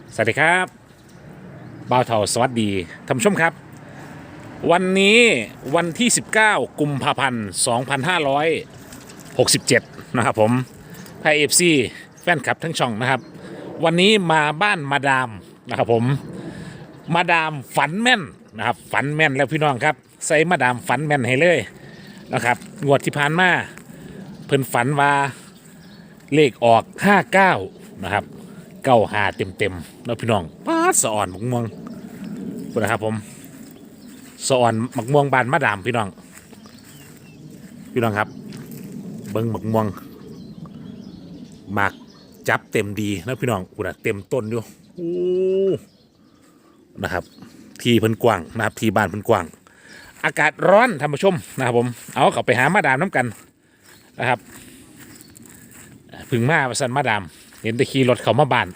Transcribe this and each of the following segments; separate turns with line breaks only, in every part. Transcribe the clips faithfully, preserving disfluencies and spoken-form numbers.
สวัสดีครับบ่าวเถาสวัสดีท่านผู้ชมครับวันนี้วันที่สิบเก้ากุมภาพันธ์สองพันห้าร้อยหกสิบเจ็ดนะครับผมไพเอฟซีแฟนคลับทั้งช่องนะครับวันนี้มาบ้านมาดามนะครับผมมาดามฝันแม่นนะครับฝันแม่นแล้วพี่น้องครับใส่มาดามฝันแม่นให้เลยนะครับงวดที่ผ่านมาเพิ่นฝันว่าเลขออกห้าเก้านะครับเก้าหาเต็มเต็มแล้วพี่น้องป้าสะอ่อนมักม่วงคุณนะครับผมสะอ่อนมักม่วงบานมาดามพี่น้องพี่น้องครับเบิ้งมักม่วงหมากจับเต็มดีนะพี่น้องคุณนะเต็มต้นอยู่โอ้นะครับทีเพิ่นกว้างนะครับทีบ้านเพิ่นกว้างอากาศร้อนท่านผู้ชมนะครับผมเอาเข้าไปหามาดามน้ำกันนะครับพึ่งมาประสันมาดามเห็นแต่ขี่รถเขามาบ้าน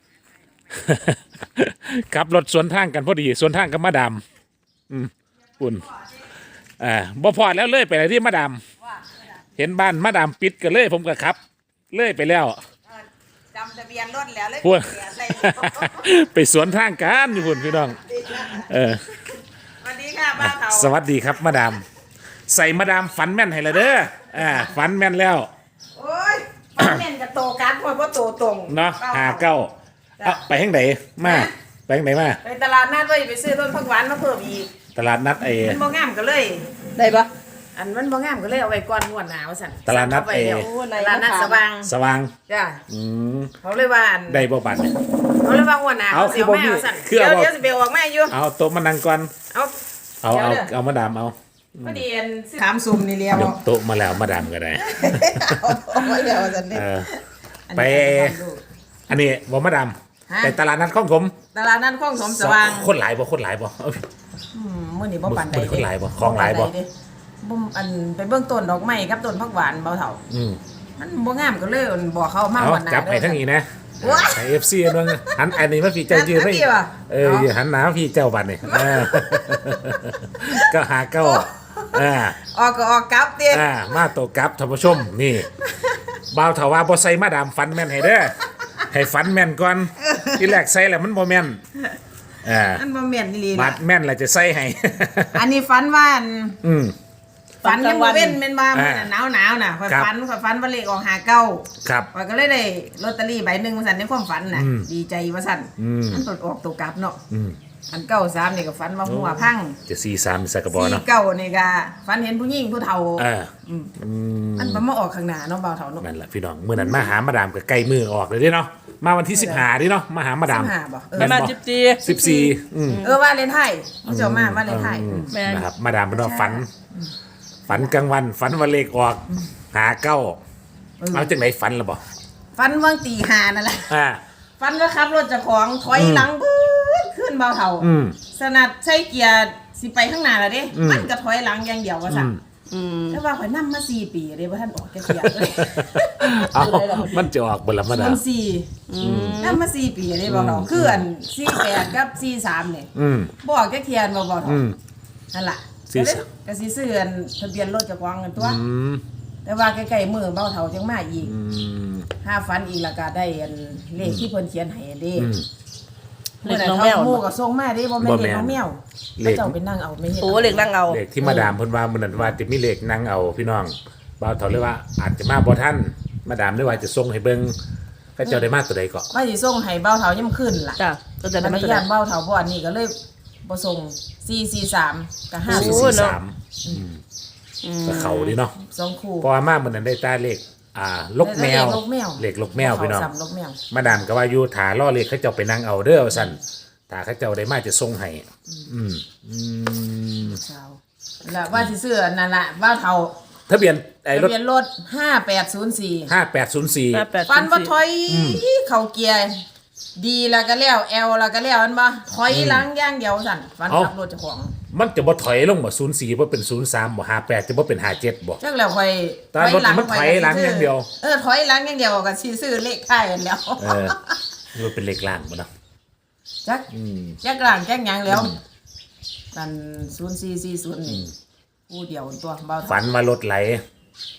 ขับรถสวนทางกันพอดีสวนทางกับมาดามอืมปุ่นอ่าบ่พอแล้วเลยไปไหนที่มาดามเห็นบ้านมาดามปิดกันเลยผมก็ขับเลยไปแล้ว
จำทะเบียนรถแล้วเลย
พูด ไปสวนทางกันอยู่พุ่นพี่น้องเออ
สวัสดีค่ะบ้าเขา
สวัสดีครับมาดามใส่มาดามฝันแม่นให้ละเด้ออ่าฝันแม่นแล้ว
โอ้ยฟันเม่นกับโตกันเพราะว่าโตตรง
เนาะหาเก้าเอาไปทางไหนมาไปทางไหนมา
ไปตลาดนัดไว้ไปซื้อต้นผักหวานมาเพิ่มอีก
ตลาดนัดไอ้
มันบ่งามก็เลย
ได้ปะ
อันมันบ่งามก็เลยเอาไว้ก่อนงวดหน้าว่าซั่น
ตลาดนัด
เอ
ไอ้
ไว้เดี๋ยวตลาดนัดสว่าง
สว่าง
จ้ะ
อืม
เขาเลยว่าอัน
ได้บ่บัดเนี่ย
เขาเลยว่างวดหน้า
เอา
เขาสิเอาแม่
คือบ่มี
ว่าซั่น
คือ
เดี๋ยว
เอา
เดี๋ยวสิไปออกแม่อยู่
เอาโต๊ะมานั่งก่อน
เอา
เอาเอา
ดี๋ยวด้
เอามาดามเอา
พอดีอันถามซุ่มนี่เลี้ยวย
กโต๊ะมาแล้วมาดามก็ได้
เอาไว้เดี๋ยวว่าซั่นนี่
เออ
อัน
ไป
นี้ทำดู
อันนี้บ่มาดาม
ฮะ
ไปตลาดนัดของผม
ตลาดนัดคลองสมสว่าง
คนหลายบ่คนหลายบ่เอ้ย
อืมมื้อนี้บ่ปานใด
มื้อนี้คนหลายบ่ของหลายบ่
ปนใดเด้บ่อันไปเบิ่งต้นดอกไม้กับต้นผักหวานเบาเฒ่า
อืม
มันบ่งามก็เลยบอกเขามา
เอา
วันหน้า
จับให้ทั้งนี้นะ
ว้า
ให้ เอฟ ซี นึงหันอันนี้มาพี่เจ้ายืน
หัน
ไม่
พี่ว่ะ
เออ
เอา
หันหน้าพี่เจ้าบัดนี่เออก็หาเก้าอ่า
ออกก็ออกกลับเด้
อ่ามาโตกลับท่านผู้ชมนี่บ่าวเถาว่าบ่ใส่มาดามฟันแม่นให้เด้อให้ฟันแม่นก่อนที่แรกใส่แล้วมันบ่แม่นอ่า
อันบ่แม่นอีหลี
บา
นะ
ดแม่นแล้วจะใส่ให้
อันนี้ฝันว่าอัน
อืม
ฝันยังบ่เว้นแม่นว่ามื้อ
อ่า
นั้นหนาวๆน่ะข่อย
ครับ
ฝันข่อยฝันว่าเลขออกห้าเก้า
ครับ
ข่อยก็เลยได้ลอตเตอรี่ใบหนึงว่าซั่นในความฝันน่ะ
อืม
ดีใจว่าซั่น
อืม
มันตดออกตัวกลับเนาะ
อืม
อันเก้าสามนี่ก็ฝันว่าหัวพัง
จะสี่สามใส่กระบอก
สี่
เนาะ
เก้านี่ก็ฝันเห็นผู้หญิงผู้เฒ่า
อ่า
อืม
อืม
มันบ่มาออกข้างหน้าเนาะเบาเฒ่าเนาะ
นั่นแหละพี่น้องเมื่อนั้นมาหามาดามก็ใกล้มือออกเลยเด้เนาะมาวันที่สิบห้าดิเนาะมาหามาดาม
สิบห้าบ่เออ
แม่น
มา
บ่
จิบจี
สิบสี่อืม
เออว่าเลนไทยมันเจ้ามาว่าเลนไทย
อืม
แม่น
นะครับมาดามเป็นว่าฝัน ฝันกลางวัน ฝันวันเลขออก หาเก้าเอาจังไหนฝันละบ่
ฟันว่างตีหานั่นแหละ
อ่า
ฟันว่าขับรถเจากของถอยหลังปื๊ดขึ้นเบาเท่า
อืม
สนัดใช้เกียร์สิไปข้างหน้าแล้วเด้
อืม
มันก็ถอยหลังอย่างเดียวว่า
อื
สั่
ม
อืม
แต่ว่าข่อยนั่มาสี่ปีเลยว่าท่านออกแกเกียร์เลย
เอามันจะออกบนละมาดา
มั
ม
นสี่นั่มาสี่ปีเลยเบาเท่าคืออันสี่แปดกับสี่สามเนี่ย
อืม
บอกแกเทียนเบาเบาเท่า
อืม
นั่นแหละ
สี่สาม
ก็สิซื้ออันทะเบียนรถเจากของกันตัว
อืม
แต่ว่าใกล้ๆมือเบาเท่าจังมาอีก
อืม
ห้าฟันอีกแล้วก็ได้อันเลขที่เพิ่นเขียนให้อันเด้
อืม
เล็กน้องแมว
หมู่ก็ส่งมาเด้บ่แม่น
บ่
เล
แม่
ข
น
น้องแมว
เลข
เขาเจ้าไปนั่งเอาไม่เห็น
โอ้เล็กนั่งเอา
เลขที่มาดามเพิ่นว่ามื้อนั้นว่าจะมีเลขนั่งเอาพี่น้องบ่าวเฒ่าเลยว่าอาจจะมาบ่ทันมาดามเลยว่าจะส่งให้เบิ่งก็เจ้าได้มาตัวใดก็
ว่าสิส่งให้เบ้าเฒ่าย่ํขึ้นล่ะ
จ้ะก็จะได้
อัน
มา
นี้
ตัว
ย่า
นั้น
นเบ้าเฒ่าบ่อันนี้ก็เลยบ่ส่งสี่สี่สามกับห้า
สี่
โอ้
สี่
เนาะ
สามก็เขาดิเนาะ
สองคู่
เพราะว่ามามื้อนั้นได้ตาเลขอ่าลกแมว
เลขลกแมว
เลขลกแมวพี่น้อง
เขาซ้ำลกแมว
มาดามก็ว่าอยู่ถาล่อเลขเขาเจ้าไปนั่งเอาเด้อว่าซั่นถ้าเขาเจ้าได้มาจะส่งให้อืมอืม
เช้าแล้วว่าสิซื้ออันนั่นล่ะเบ้าเฒ่า
ทะเบียนไอ้รถ
ทะเบียนรถห้าแปดศูนย์สี่
ห้าแปดศูนย์สี่
แปดแปด
ฟันว่าถ
สี่
อยเข้าเกียร์ดีแล้วก็แล้วแอลแล้วก็แล้วอันบ่ถอยหลังอย่างเดียวสั่นฟันขับรถเจ้าของ
มันจะบ่ถอยลงบ่ศูนย์สี่บ่เป็นศูนย์สามบ่ห้าแปดจะบ่เป็นห้าเจ็ดบ่
จักแล้วค่อย
ตอนรถมันถอยหลังอย่างเดียว
เออถอยหลังอย่างเดียวก็สิซื้อเลขท้ายอันแล้ว
เออมันเป็นเลขล่างบ่เนาะ
จัก
อืม
จักหลังจักหยังแล้วนั่นศูนย์สี่สี่ศูนย์นี่ผู้เดียวตัวเบา
ฝันว่ารถไหล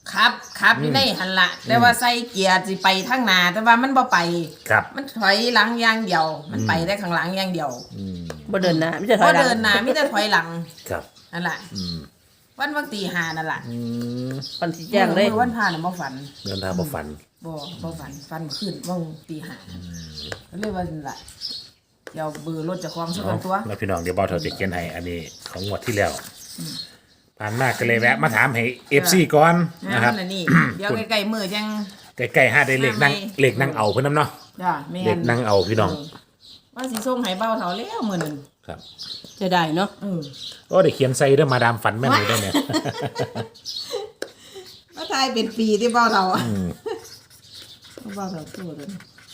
ครับครับอยู่ในหันละแต่ว่าใส่เกียร์สิไปทางหน้าแต่ว่ามันบ่ไป
ครับ
มันถอยหลังอย่างเดียว มันไปได้ข้างหลังอย่างเดียว
บ่เดินหนะไม่ใช่ถ
พ
อ
อย
หลัง
เดินหน้ามีแต่ถอยหลัง
ครับ
นั่นแหละ
อืม
วันวันตีหานั่นแหละ
อืม
ปันสีแจ้งเลย
มื่อวันพาน่ะบ่ฝัน
เดินทางบ่ฝัน
บ่บ่ฝันฝันขึ้นว่างตีหาก็เลยว่านั่นล่ะเดี๋ยวเบอร์รถเจะคลองสัก
เอา
ตัว
แล้วพี่น้องเดี๋ยวเบาเถาจะเขียนให้อันนี้ของงวดที่แล้วผ่านมากก็เลยแวะมาถามให้ เอฟ ซี ก่อน
นะ
นะ
ค
ค
รั
รั
บบ นี่เดี๋ยวใกล้ๆมือจัง
ใกล้ๆห้าได้เลขนั่ง
ห้าไหม
เลขนั่งเอาเพิ่นน้ำเนาะ
จ้าแม่
เลขนั่งเอาพี่น้อง
ว่าสิส่งให้เบาเฒ่าแล้วมื้อนึง
ครับ
จะได้เนาะ
เออ
โอ้ได้เขียนใส่เด้อมาดามฝันแม่นเลยได้อเนี่ย
มาทายเป็นปีที่เบาเฒ่าอ่ะเบาเฒ่าตัวเด้อ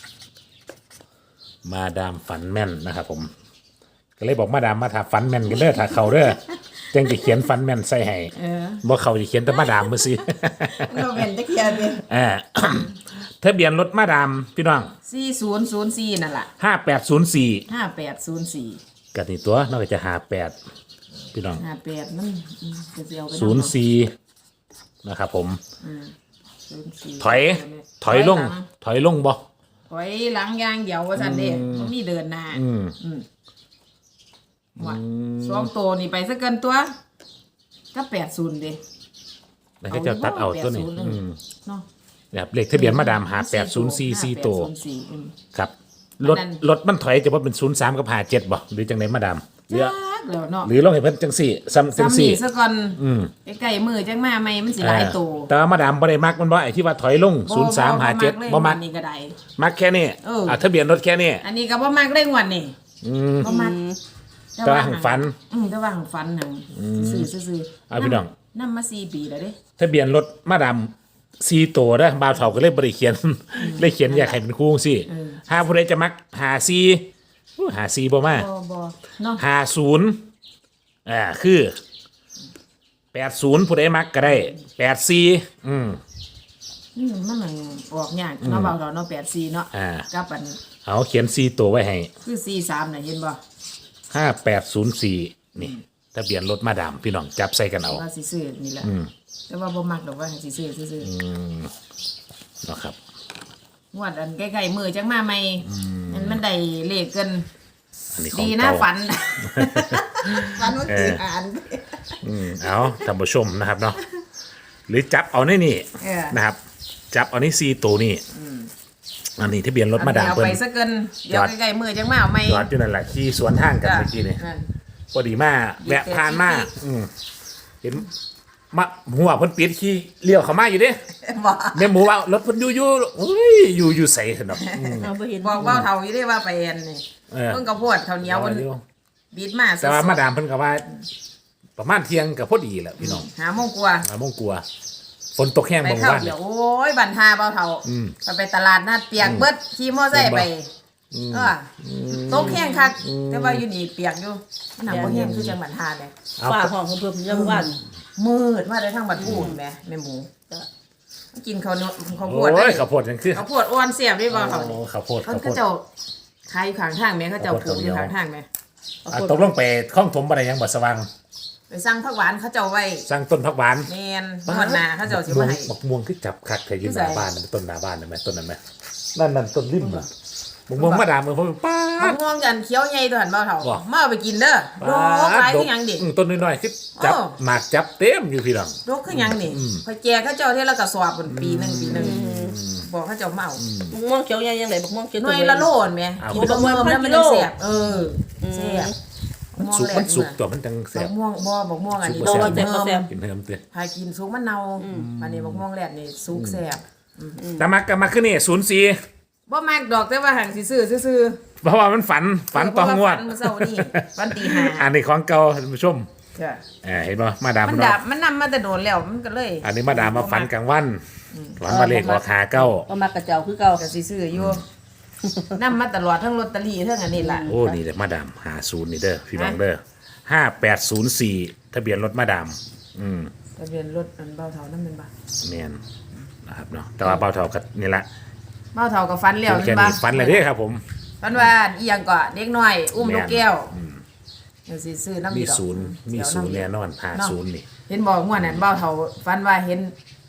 มาดามฝันแม่นนะครับผม ก็เลยบอกมาดามมาถาฝันแม่นกันเด้อถ้าเขาเด้อจังจะเขียนฝันแม่นใส่ให้
เออ
บ่เขาจะเขียนแต่มาดามมือสิ
เราเป็นตะเคียนเด้
อ่า ทะเบียนรถมาดามพี่น้อง
สี่ศูนย์ศูนย์สี่นั่นล่ะ
ห้าแปดศูนย์สี่
ห้าแปดศูนย์สี่
กันนี่ตัวนอกจากจะหาแปดพี่น้อง
ห้าแปดมันอืมจะสิเอาไป
ศูนย์สี่นะครับผม
ศูนย์สี่
ถอย ถอยลง ถอยลงบ่
ถอยหลังอย่างเดียวว่าซั่นเด้บ่มีเดินหน้า
อืม
อืมว่าสองตัวนี่ไปซะเกินตัวก็แปดศูนย์เด้
แล้วก็จะตัดเอาตัวนี้
แปดศูนย์เลย
อืม
เนาะ
แบบเลขทะเบียนมาดามหาแปดศูนย์สี่สี่ตัว
ห้าแปดศูนย์สี่อืม
ครับ รถ
อันนั้น
รถมันถอยจะว่าเป็นศูนย์สามกับหาเจ็ดบ่หรือจังไหนมาดามหรือ
จักแล้วเนาะ
หรือลองให้เพิ่นจังสี่ซ้ำจัง
ซ้ำ
สี่
นี่ซะก่อน
อืม
ใกล้ๆมือจังมาใหม่มันสิหลายตัว
แต่ว่ามาดามบ่ได้มักมันบ่ไอ้ที่ว่าถอยลงศูนย์สามหาเจ็ดบ่มัก
อันนี้ก็ได้
มักแค่นี้
เอออ่
อ่ะทะเบียนรถแค่นี้
อันนี้ก็บ่มักเร่งวันนี่
อืม
บ่มัก
แต่ว่าหังฝัน
อืมแต่ว่าหังฝันหังซื่อๆซื่อๆ
เอาพี่น้อง
นำมาสี่ปีแล้วเด้
ทะเบียนรถมาดามซีโตนะบ่าวเฒ่าก็เลยบ่ได้เขียน เลยเขียนอยากให้เป็นคู่สิถ้าผู้ใดจะมักหาซีอู้หาซีบ่มา
บ่บ่เนาะ
หาศูนย์อ่าคือแปดศูนย์ผู้ใดมักก็ได้แปดซีอืม
อืมมันมันออกยากเนาะเบาเราเนาะแปดสี่เนาะ
อ่า
กับอัน
เอาเขียนซีโตไว้ให้
คือสี่สามน่ะเห็นบ่
ห้าแปดศูนย์สี่นี่ทะเบียนรถมาดามพี่น้องจับใส่กันเอา
ว่าสิซื้อนี่แหละแต่ว่าบ่มักดอกว่าสิซื้อซื่อ
เนาะครับ
ๆงวดอันใกล้ๆมือจังมาใหม่มันมันได้เลขเกิน
อันนี้ของ
ดีนะ
เก่า
ฝัน ฝันว่าตื่นอ่าน
อืมเอาท่านผู้ชมนะครับเนาะหรือจับเอาในนี่
เออ
นะครับ จับเอาในซีตัวนี่อันนี้ทะเบียนรถมาดาม
เอา
เพิ่
ไป
น
ซะเกินเดี๋ยวใกล้ๆมือจังมาเอาใหม่
จอดอยู่นั่นแหละที่สวนทางกัน
จ้ะ
เมื่อกี้นี่
นั่น
พอดีมาแวะผ่านมาอืมเห็นมาหัวเพิ่นปิดขี้เลี้ยวเข้ามาอยู่เด้
บอก
แม่หมูว่ารถเพิ่นอยู่อยู่อุ้ยอยู่อยู่ใส่ขนาดอืม
เอาไปเห็น
บอกเว่าเท่าอยู่ได้ว่าไปเอ็นนี่
เออ
เพิ่งกระโพดเท่าเหนียวมันบิดมา
แต่ว่า
สดๆ
มาดามเพิ่นก็ว่า ประมาณเที่ยงก็พอดีแหละพี่น้อง
หาโมงกว่า
หาโมงกลัวฝนตกแห้ง
ไป
บาง
เข้า
วัน
เดี๋ยวโอ้ยบันทาเบาเท่า
อืม
ไปไปตลาดนัดเปียกเบิดขี่มอไซค์ไปเออตกแห้งคักแต่ว่าอยู่นี่เปียกอยู่มันหนักบ่แห้งคือจังบันทาเลย
เอา
ฝ้าห้องของเพิ่มยังวัน
มืดมาได้ทั้งบัดพูนแม่แม่หมูกินข้าวเหนียวข้าวโพ
โอ้
ดได้
ยข้าวโพดจังคือ
ข้าวโพดอ้วนเสียบได้เบาเท่า
โอ้
นี่
ข้าวโพด
เขา
ข้าวโพ
ก็
ด
เจ้าขายอยู่ข้างทางแม่เขาเจ้าปลูกอยู่ข้างทางแม่
อ่ะตกลงไปคล้องถมอะไรยังบ่สว่าง
ไปสั่งผักหวานเขาเจ้าไว้
สร้างต้นผักหวาน
แมนนวดหนาเขาเจ้าสิมาให้
บักม่วงคือจับคักแต่ยืนห
คือ
น้า
ใส่
บ้านน่ะต้นหน้าบ้านน่ะแม่ต้นนั้นแม่นั่นนั่นต้นริมน่ะบักม่วงมาดามมือผมป้าม
ะ
ด
ม่วงกันเขียวใหญ่ตัวหันเบาเท่า
บ่
มาเอาไปกินเด้อโรคหลายคือหยังดิ
อืมต้นน้อยๆคือจับ
อ้อ
หมากจับเต็มอยู่พี่น้อง
โรคคือหยังนี่พอแจกเขาเจ้าเท่าละกระสอบบนปีหนึงปีหนึงบอกเขาเจ้ามาเอา
บักม่วงเขียวใหญ่ยังไงบักม่วงเขียว
หน่วยละโลนแม่กินบ่เมื่อแล้วมันยังแซ่บเออแซ่บ
มันสุกมันสุกตัวมันจังแซ่
บั
บ
กม่วงบ่บักม่วงอันนี้
สุก
โต
บ่แซ่
เติม
กินเพิ่มเตือน
พายกินสุกมันเน่าอันนี้บักม่วงแรดนี่สุกแซ่บ
แต่มักก็มาขึ้นนี่ศูนย์สี่
บ่มากดอกแต่ว่าหังสิซื้อซื่อ
เพราะว่ามันฝัน
ๆ
ฝันตองงวด
ฝันมื้อเช้านี่วันตีห้า
อันนี้ของเก่าท่านผู้ชม
จ้ะ
อ่าเห็นป่ะมาดาม
มัน
เนาะ
ดับมันนำมาแต่โดนแล้วมันก็เลย
อันนี้มาดามมาฝันกลางวันฝันมาเลขออกหาเก้า
ก็มากระเจ้าคือเก่า
ก็สิซื้ออยู่ นำมาตลอดทั้งลอตเตอรี่ทั้งอันนี้ล่ะ
โอ้นี่เด้อมาดามหาศูนย์นี่เด้อพี่น้องเด้อห้าแปดศูนย์สี่ทะเบียนรถมาดามอืม
ทะเบียนรถอันเบาเท่านั่นเป็นบ่
แมนนะครับเนาะแต่ว่าเบาเท่ากับนี่ละ
เบาเท่ากับฟันแล้ว
แค่
เห็นบ่
นี้ฝันเลยเด้อครับผม
ฟันว่าอีหยังก็เด็กน้อย อุ้ม
แม่น
ลูกแก้วก็สิซื้อน้ำ
มี
ดอก
ศูนย์มี
เดี๋ว
ศูนย์
ำ
แน่นอนหาศูนย์นี่
เห็นบอกม่วนนั้นเบาเท่าฟันว่าเห็น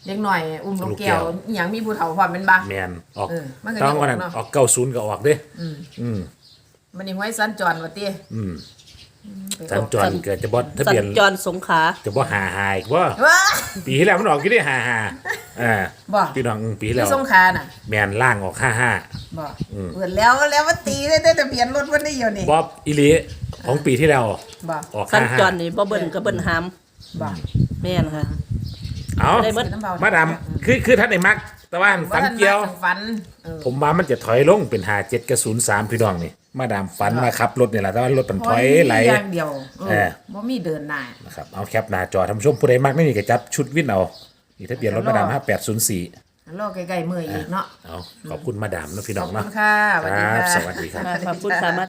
เด็กหน่อยอุ้มลูก
ลูกแก้
แก้
ว
วอหยังมีผู้เฒ่าพร้อมเป็นบ่า
แมนออก
เออมันก็
ต้อง
ยังออก
วันนั้น
เนาะ
ออกเก้าศูนย์ก็ออกเด้
อืม
อืม
มันนี่ห้วยสัญจรว่าติ
อืม
ไป
สัญจรเกิดจะบอทะ
สั
เบียน
ญจรสงขลา
จะบ่หาหายว่า
ว้า
ปีที่แล้วมันออกกี่ได้หาหาอ่า
บ่
พี่น้องอืมปีที่
ที่
แล้ว
สงขลาน่ะ
แมนล่างออกห้าห้า
บ่เปิดแล้วแล้วมันตีได้แต่ทะเบียนรถมันได้อยู่นี่
บ๊อบอิลีของปีที่แล้ว
บ่
ออก
สัญ
ห้าห้า
จรนี่บ่เบิ่นก็เบิ่นหาม
บ่
แม่นค่ะ
เอา
ได้เบิด
มาดามคือคือท่านในมัก แต่ว่าฝันเกี่ยว
าท่านมาฝันเออ
ผมว่ามันจะถอยลงเป็นหาเจ็ดกับศูนย์สามพี่น้องนี่มาดามฝันมาขับรถนี่แหละแต่ว่ารถมันถอยไหล
อย่างเดียวเอ
เอ
อ
อ
บ่มีเดินหน้า
นะครับเอาแคปหน้าจอท่านผู้ชมผู้ใดมักไม่มีก็จับชุดวินเอานี่ทะเบียนรถมาดามห้าแปดศูนย์สี่
รอใกล้ๆมื้ออีกเนาะ
เอาขอบคุณมาดามนะพี่น้อ
ขอบ
ง
คุ
เนาะ
ณค่ะสวัสดี
ครับ
ค่ะ
สวัสดีครับ
ขอบคุณค่ะ